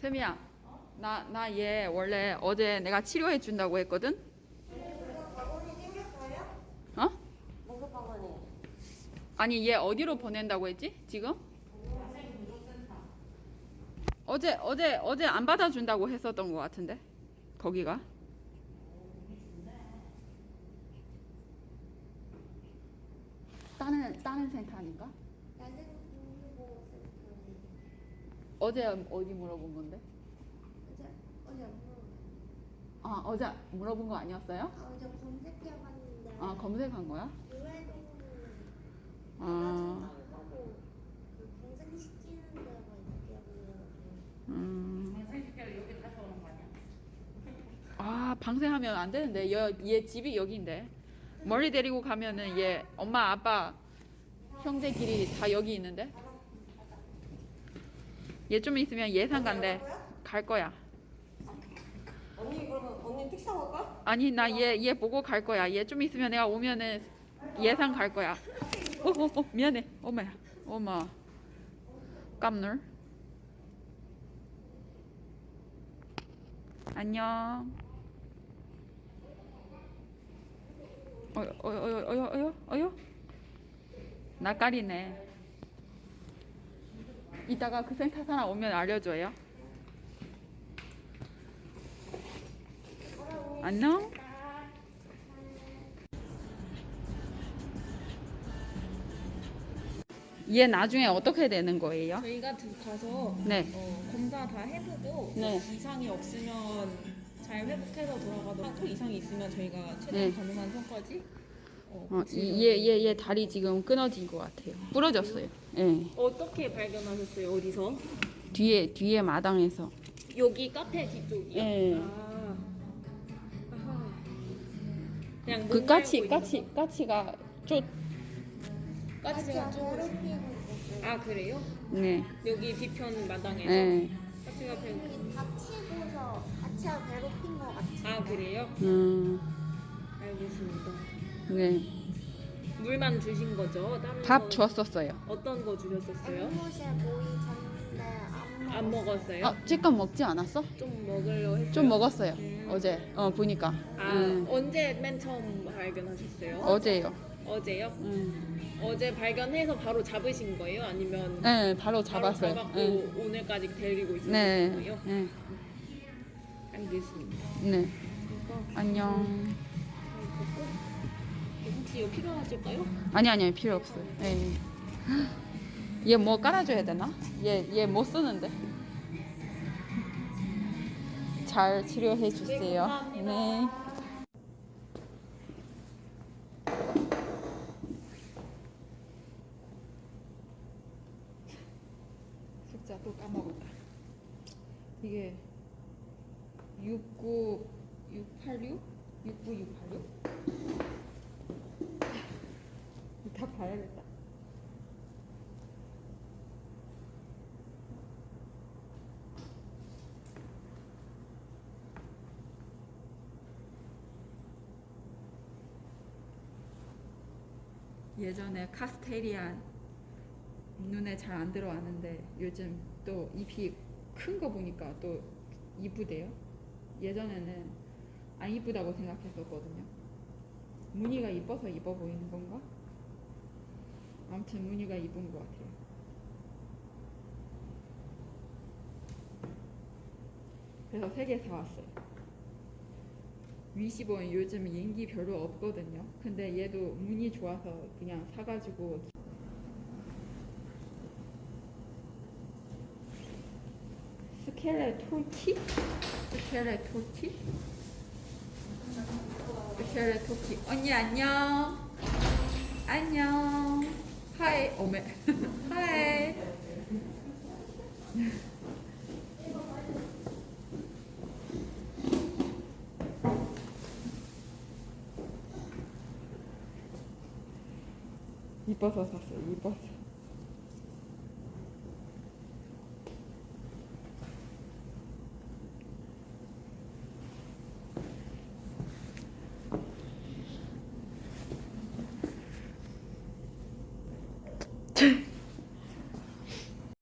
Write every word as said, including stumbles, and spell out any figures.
세미야, 나, 나 얘 원래 어제 내가 치료해 준다고 했거든? 학원이 생겼어요? 어? 무슨 학원이? 아니, 얘 어디로 보낸다고 했지? 지금? 어제, 어제, 어제 안 받아준다고 했었던 것 같은데? 거기가? 다른, 다른 센터 아닌가? 나는 공부보호센터에 어제 어디 물어본 건데? 어제 어제 안 물어봤는데. 아, 어제 물어본 거 아니었어요? 아 어제 검색해봤는데 아, 검색한 거야? 유해동물 아, 하고 그 검색시키는 데가 있다고 음. 아, 방생하면 안 되는데. 얘, 얘 집이 여기인데. 멀리 데리고 가면은 얘 엄마, 아빠, 형제끼리 다 여기 있는데. 얘 좀 있으면 예산 간대. 갈 거야. 언니 그러면 언니 택시 타고 갈까? 아니, 나 얘, 얘 보고 갈 거야. 얘 좀 있으면 내가 오면은 예산 갈 거야. 어, 어, 어, 미안해. 엄마야. 엄마. 깜놀. 안녕. 어여, 어여, 어여, 어여, 어여, 어여. 낯가리네. 이따가 그 센터 사람 오면 알려줘요. 안녕. 얘 나중에 어떻게 되는 거예요? 저희가 드- 가서 네. 어, 검사 다 해보고 네. 이상이 없으면 잘 회복해서 돌아가도록 하고 이상이 있으면 저희가 최대한 네. 가능한 선까지 어, 어, 고치려고. 얘, 얘, 얘 다리 지금 끊어진 것 같아요. 부러졌어요. 예. 어떻게 발견하셨어요? 어디서? 뒤에, 뒤에 마당에서. 여기 카페 뒤쪽이요? 예. 아. 아하. 그냥 그 못 까치, 말고 있는 까치, 거? 까치가 쫓, 까치가 쪼고 있어요. 괴롭히고 있었어요. 아 그래요? 네. 여기 뒤편 마당에서 예. 까치가 배. 여기 다치고서 같이 괴롭힌 것 같아요. 아 그래요? 음, 알겠습니다. 네. 물만 주신 거죠? 다른 밥 거 줬었어요. 어떤 거 주셨었어요? 앵무새 모이 줬는데 안, 안 먹었어요? 아, 찌끔 먹지 않았어? 좀 먹으려 했어요. 좀 먹었어요. 음. 어제. 어, 보니까. 아 음, 언제 맨 처음 발견하셨어요? 어제요. 어제요? 음. 어제 발견해서 바로 잡으신 거예요? 아니면 네, 바로 바로 잡았어요. 잡았고 네. 오늘까지 데리고 있으신 네. 거예요? 네. 알겠습니다. 네. 그래서 안녕. 혹시 이거 필요하실까요? 아니, 아니, 필요 없어요. 네. 얘 뭐 깔아줘야 되나? 얘, 얘 못 쓰는데. 잘 치료해 주세요. 네, 감사합니다. 네. 숫자 또 까먹었다. 이게 육구육팔육? 육구육팔육? 다 봐야겠다. 예전에 카스테리안 눈에 잘 안 들어왔는데 요즘 또 잎이 큰 거 보니까 또 이쁘대요. 예전에는 안 이쁘다고 생각했었거든요. 무늬가 이뻐서 이뻐 보이는 건가? 아무튼 무늬가 이쁜 것 같아요. 그래서 세 개 사왔어요. 위시본 요즘 인기 별로 없거든요. 근데 얘도 무늬 좋아서 그냥 사가지고. 스켈레토키? 스켈레토키? 스켈레토키. 언니 안녕. 안녕. 하이. 어메. 하이. 이뻐서 샀어요. 이뻐서.